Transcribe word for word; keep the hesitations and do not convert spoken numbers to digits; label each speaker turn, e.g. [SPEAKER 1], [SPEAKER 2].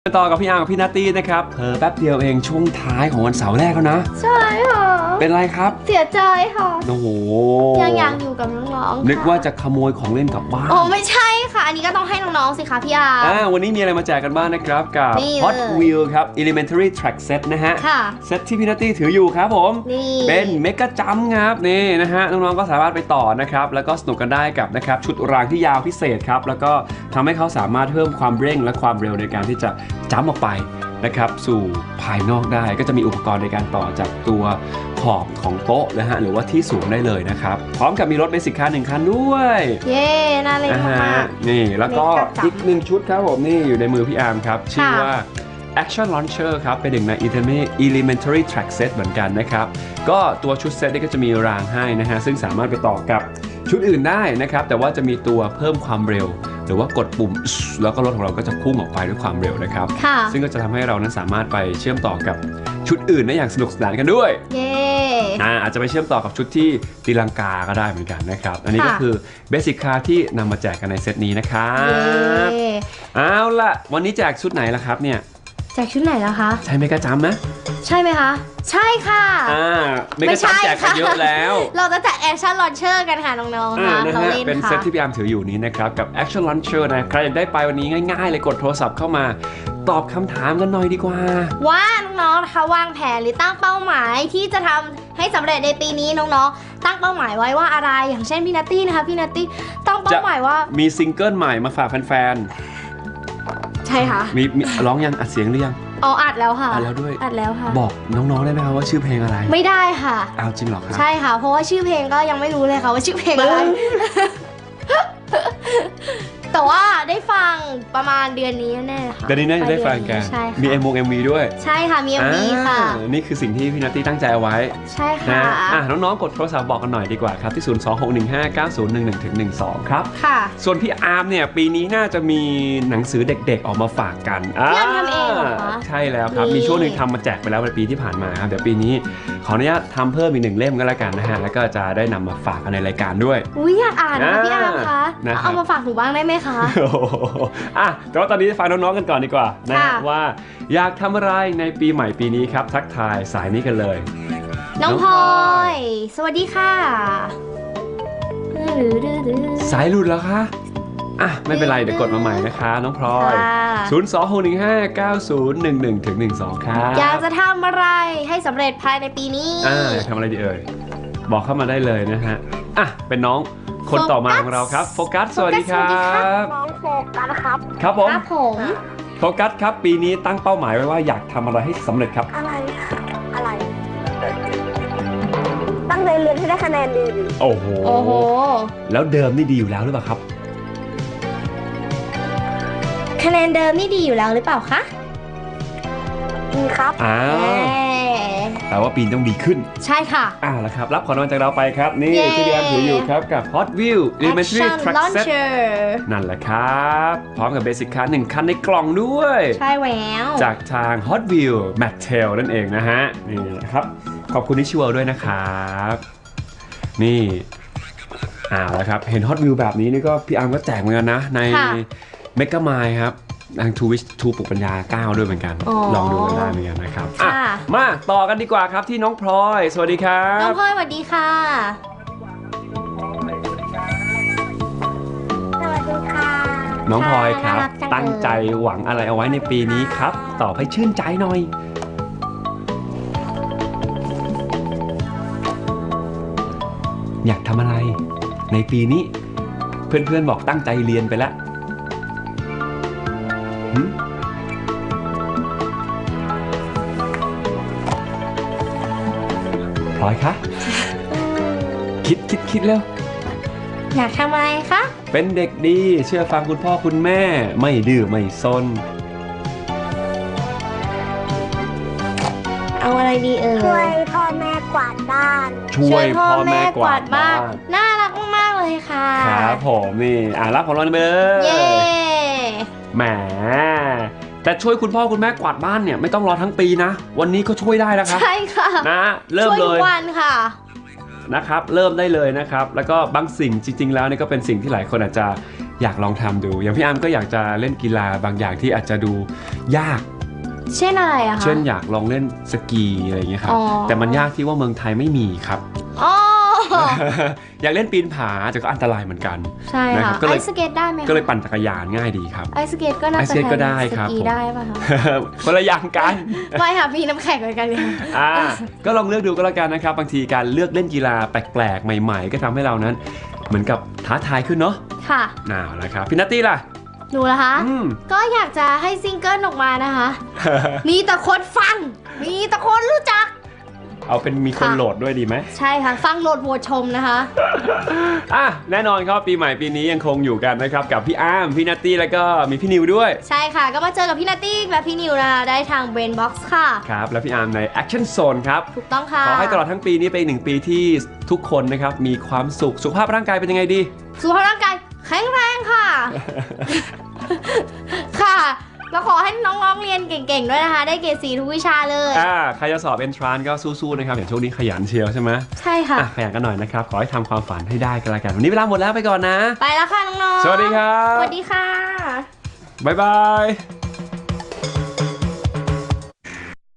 [SPEAKER 1] ต่อกับพี่อาร์กับพี่นัตตี้นะครับเผลอแป๊บเดียวเองช่วงท้ายของวันเสาร์แรกแล้วนะ
[SPEAKER 2] ใช่ค่ะ
[SPEAKER 1] เป็นไรครับ
[SPEAKER 2] เสียใจค่ะ
[SPEAKER 1] โอ้โห
[SPEAKER 2] ยังอยากอยู่กับน้องๆ
[SPEAKER 1] นึกว่าจะขโมยของเล่นกลับบ้าน
[SPEAKER 2] โอ้ไม่ใช่ค่ะอันนี้ก็ต้องให้น้องๆสิคะพี่อาร์
[SPEAKER 1] อ่าวันนี้มีอะไรมาแจกกันบ้างนะครับกับ Hot Wheels ครับ Elementary Track Set นะฮะเซตที่พี่นัตตี้ถืออยู่ครับผมเป็นเมกะจัมป์ครับนี่นะฮะน้องๆก็สามารถไปต่อนะครับแล้วก็สนุกกันได้กับนะครับชุดรางที่ยาวพิเศษครับแล้วก็ทำให้เขาสามารถเพิ่มความเร่งและความเร็วในการที่จะจัมป์ออกไปนะครับสู่ภายนอกได้ก็จะมีอุปกรณ์ในการต่อจากตัวขอบของโต๊ะนะฮะหรือว่าที่สูงได้เลยนะครับพร้อมกับมีรถเบสิกคันหนึ่งคันด้วย
[SPEAKER 2] เย้น่าเล่นมาก
[SPEAKER 1] นี่แล้วก็อีกหนึ่งชุดครับผมนี่อยู่ในมือพี่อาร์มครับชื่อว่า Action Launcher ครับเป็นหนึ่งใน Elementary Track Set เหมือนกันนะครับก็ตัวชุดเซตนี้ก็จะมีรางให้นะฮะซึ่งสามารถไปต่อกับชุดอื่นได้นะครับแต่ว่าจะมีตัวเพิ่มความเร็วหรือว่ากดปุ่มแล้วก็รถของเราก็จะพุ่งออกไปด้วยความเร็วนะครับซึ่งก็จะทำให้เรานั้นสามารถไปเชื่อมต่อกับชุดอื่นได้อย่างสนุกสนานกันด้วยเย้อ่าอาจจะไปเชื่อมต่อกับชุดที่ตีลังกาก็ได้เหมือนกันนะครับอันนี้ก็คือเบสิกคาร์ที่นำมาแจกกันในเซตนี้นะครับเอาล่ะวันนี้แจกชุดไหนล่ะครับเนี่ย
[SPEAKER 2] แจกชุดไหนแล้วคะ
[SPEAKER 1] ใช่เมกะจัมป์นะ
[SPEAKER 2] ใช่ไหมคะใช่ค่ะ
[SPEAKER 1] อ่าเมกะจัมป์แจกกันเยอะแล้ว
[SPEAKER 2] เราจะแจก Action Launcher กันค่ะน้องๆค่ะ
[SPEAKER 1] เขาเล่นค่ะเป็นเซตที่พี่อาร์มถืออยู่นี้นะครับกับ Action Launcher นะใครอยากได้ไปวันนี้ง่ายๆเลยกดโทรศัพท์เข้ามาตอบคำถามกันหน่อยดีกว่า
[SPEAKER 2] ว่าน้องๆนะคะวางแผนหรือตั้งเป้าหมายที่จะทำให้สำเร็จในปีนี้น้องๆตั้งเป้าหมายไว้ว่าอะไรอย่างเช่นพี่นัตตี้นะคะพี่นัตตี้ตั้งเป้าหมายว่า
[SPEAKER 1] มีซิงเกิลใหม่มาฝากแฟน
[SPEAKER 2] ๆใช่ค่ะ
[SPEAKER 1] มีร้องยังอัดเสียงหรือยัง
[SPEAKER 2] อ๋ออัดแล้วค่ะ
[SPEAKER 1] อัดแล้วด้วย
[SPEAKER 2] อัดแล้วค่ะ
[SPEAKER 1] บอกน้องๆได้ไหมครับว่าชื่อเพลงอะไร
[SPEAKER 2] ไม่ได้ค่ะ
[SPEAKER 1] อ้าวจริงเหรอครับ
[SPEAKER 2] ใช่ค่ะเพราะว่าชื่อเพลงก็ยังไม่รู้เลยค่ะว่าชื่อเพลงอะไรแต่ว่าได้ฟังประมาณเดือนนี้แน่ค่ะ
[SPEAKER 1] เดือนนี้น่าจะได้ฟังกันมี เอ็ม วี เอ็ม วี ด้วย
[SPEAKER 2] ใช่ค่ะมี เอ็ม วี ค่ะ
[SPEAKER 1] นี่คือสิ่งที่พี่นัตตี้ตั้งใจเอาไว้
[SPEAKER 2] ใช่ค่ะ
[SPEAKER 1] อ่ะน้องๆกดโทรศัพท์บอกกันหน่อยดีกว่าครับที่ศูนย์ สอง หก หนึ่ง ห้า เก้า ศูนย์ หนึ่ง หนึ่ง หนึ่ง สองครับ
[SPEAKER 2] ค่ะ
[SPEAKER 1] ส่วนพี่อาร์มเนี่ยปีนี้น่าจะมีหนังสือเด็กๆออกมาฝากกัน
[SPEAKER 2] พี่อาร์มทำเองเหรอคะ
[SPEAKER 1] ใช่แล้วครับมีช่วงนึงทำมาแจกไปแล้วในปีที่ผ่านมาครับเดี๋ยวปีนี้ขออนุญาตทำเพิ่มอีกหนึ่งเล่มก็แล้วกันนะฮะแล้วก็จะได้นำมาฝากกันในรายการด้วย
[SPEAKER 2] อุ้ยอยากอ่านนะพี่อาร์มคะเอามาฝากหนูบ้างได้ไหมคะ
[SPEAKER 1] อ่ะแต่ว่าตอนนี้ฟังน้องๆกันก่อนดีกว่านะว่าอยากทำอะไรในปีใหม่ปีนี้ครับทักทายสายนี้กันเลย
[SPEAKER 2] น้องพลอยสวัสดีค่ะ
[SPEAKER 1] สายหลุดแล้วคะอ่ะไม่เป็นไรเดี๋ยวกดมาใหม่นะคะน้องพลอยศูนย์ สอง หก หนึ่ง ห้า เก้า ศูนย์ หนึ่ง หนึ่ง หนึ่ง สองครับ
[SPEAKER 2] อยากจะทำอะไรให้สำเร็จภายในปีนี้
[SPEAKER 1] อ่าอยากทำอะไรดีเอ่ยบอกเข้ามาได้เลยนะฮะอ่ะเป็นน้องคนต่อมาของเราครับโฟกัสสวัสดีครับ
[SPEAKER 3] น้องโฟกัสครับ
[SPEAKER 1] ครับผม
[SPEAKER 2] ครับผม
[SPEAKER 1] โฟกัสครับปีนี้ตั้งเป้าหมายไว้ว่าอยากทำอะไรให้สำเร็จครับ
[SPEAKER 3] อะไรอะไรตั้งใจเรียนให้ได้คะแนนดี
[SPEAKER 1] โอ้โห
[SPEAKER 2] โอ้โห
[SPEAKER 1] แล้วเดิมนี่ดีอยู่แล้วหรือเปล่าครับ
[SPEAKER 2] คะแนนเดิมนี่ดีอยู่แล้วหรือเปล่าคะ
[SPEAKER 3] ดีครับ
[SPEAKER 1] อ้าวแต่ว่าปีนต้องดีขึ้น
[SPEAKER 2] ใช่ค่ะ
[SPEAKER 1] อ่าแล้วครับรับของรางวัลจากเราไปครับนี่ที่พี่แอมถืออยู่ครับกับ Hot Wheels Elementary Track Set นั่นแหละครับพร้อมกับเบสิกคันหนึ่งคันในกล่องด้วย
[SPEAKER 2] ใช่แล้ว
[SPEAKER 1] จากทาง Hot Wheels Mattel นั่นเองนะฮะนี่ครับขอบคุณที่ช่วยด้วยนะครับนี่อ่าแล้วครับเห็น Hot Wheels แบบนี้นี่ก็พี่อาร์มก็แจกเหมือนกันนะในเมกะไมล์ครับทางทูวิชทูปลุกปัญญาเก้าด้วยเหมือนกันลองดูกันได้เหมือนกันนะครับมาต่อกันดีกว่าครับที่น้องพลอยสวัสดีครับ
[SPEAKER 2] น้องพลอยสวัสดีค่ะ
[SPEAKER 3] สวัสดีค่ะ
[SPEAKER 1] น้องพลอยครับตั้งใจหวังอะไรเอาไว้ในปีนี้ครับตอบให้ชื่นใจหน่อยอยากทำอะไรในปีนี้เพื่อนๆบอกตั้งใจเรียนไปแล้วพลอยคะคิดคิดคิดแล้ว
[SPEAKER 2] อยากทำอะไรคะ
[SPEAKER 1] เป็นเด็กดีเชื่อฟังคุณพ่อคุณแม่ไม่ดื้อไม่ซน
[SPEAKER 2] เอาอะไรดีเอ่ย
[SPEAKER 3] ช่วยพ่อแม่กวาดบ้าน
[SPEAKER 1] ช่วยพ่อแม่กวาดบ้าน
[SPEAKER 2] น่ารักมากเลยค่ะ
[SPEAKER 1] ครับผมนี่อ่ะรับของเราไปเลย
[SPEAKER 2] เย้
[SPEAKER 1] แหมแต่ช่วยคุณพ่อคุณแม่กวาดบ้านเนี่ยไม่ต้องรอทั้งปีนะวันนี้ก็ช่วยได้แล้วครับ
[SPEAKER 2] ใช่ค่ะ
[SPEAKER 1] นะเริ่มเลย
[SPEAKER 2] ช่วยทุกวันค่ะ
[SPEAKER 1] นะครับเริ่มได้เลยนะครับแล้วก็บางสิ่งจริงๆแล้วนี่ก็เป็นสิ่งที่หลายคนอาจจะอยากลองทำดูอย่างพี่อาร์มก็อยากจะเล่นกีฬาบางอย่างที่อาจจะดูยาก
[SPEAKER 2] เช่นอะไรอะคะ
[SPEAKER 1] เช่นอยากลองเล่นสกีอะไรอย่างเงี้ยครับ
[SPEAKER 2] อ๋อ
[SPEAKER 1] แต่มันยากที่ว่าเมืองไทยไม่มีครับ
[SPEAKER 2] อ๋อ
[SPEAKER 1] อยากเล่นปีนผาแต่ก็อันตรายเหมือนกัน
[SPEAKER 2] ใช่
[SPEAKER 1] นะครั
[SPEAKER 2] ค่ะ
[SPEAKER 1] บก็เลย
[SPEAKER 2] ไอสเก็ตได้ไหมคะ
[SPEAKER 1] ก็เลยปั่นจักรยานง่ายดีครับ
[SPEAKER 2] ไอสเก็ตก็น่า
[SPEAKER 1] ไอ
[SPEAKER 2] จะ
[SPEAKER 1] สเก็ตก็ได้ครับ
[SPEAKER 2] สกี
[SPEAKER 1] ผม
[SPEAKER 2] ได้ป่ะคะ
[SPEAKER 1] คนละอย่างกัน
[SPEAKER 2] ไม่ค่ะพี่น้ำแข็งเหมือนกันเลย
[SPEAKER 1] อ่าก็ลองเลือกดูก็แล้วกันนะครับบางทีการเลือกเล่นกีฬาแปลกๆ ใหม่ๆ ก็ทำให้เรานั้นเหมือนกับท้าทายขึ้นเนาะ
[SPEAKER 2] ค่ะ
[SPEAKER 1] น่าวแล้วครับพี่นัตตี้ล่ะ
[SPEAKER 2] หนูล่ะคะ
[SPEAKER 1] อืม
[SPEAKER 2] ก็อยากจะให้ซิงเกิลออกมานะคะ มีแต่คนฟัง มีแต่คนรู้จัก
[SPEAKER 1] เอาเป็นมีคน
[SPEAKER 2] ค่ะ
[SPEAKER 1] โหลดด้วยดีไหม
[SPEAKER 2] ใช่ค่ะ ฟังโหลดโหวตชมนะคะ
[SPEAKER 1] อ่ะแน่นอนครับปีใหม่ปีนี้ยังคงอยู่กันนะครับกับพี่อาร์มพี่นัตตี้แล้วก็มีพี่นิวด้วย
[SPEAKER 2] ใช่ค่ะ ก็มาเจอกับพี่นาตี้และพี่นิวนะคะได้ทาง Brain Box ค่ะ
[SPEAKER 1] ครับแล้วพี่อาร์มใน Action Zone ครับ
[SPEAKER 2] ถูกต้องค่ะ
[SPEAKER 1] ขอให้ตลอดทั้งปีนี้เป็นอีกหนึ่งปีที่ทุกคนนะครับมีความสุขสุขภาพร่างกายเป็นยังไงดี
[SPEAKER 2] สุขภาพร่างกายแข็งแรงค่ะ ค่ะ แล้วขอให้น้องๆเรียนเก่งๆด้วยนะคะ ได้เกรดสีทุกวิชาเลย
[SPEAKER 1] อ่าใครจะสอบ Entrance ก็สู้ๆนะครับอย่างช่วงนี้ขยันเชียวใช่ไหม
[SPEAKER 2] ใช่ค่ะ
[SPEAKER 1] อ่ะขยันกันหน่อยนะครับขอให้ทำความฝันให้ได้กันละกันวันนี้เวลาหมดแล้วไปก่อนนะ
[SPEAKER 2] ไปแล้วค่ะน้องๆ
[SPEAKER 1] สวัสดีครับ
[SPEAKER 2] สวัสดีค่ะ
[SPEAKER 1] บ๊ายบาย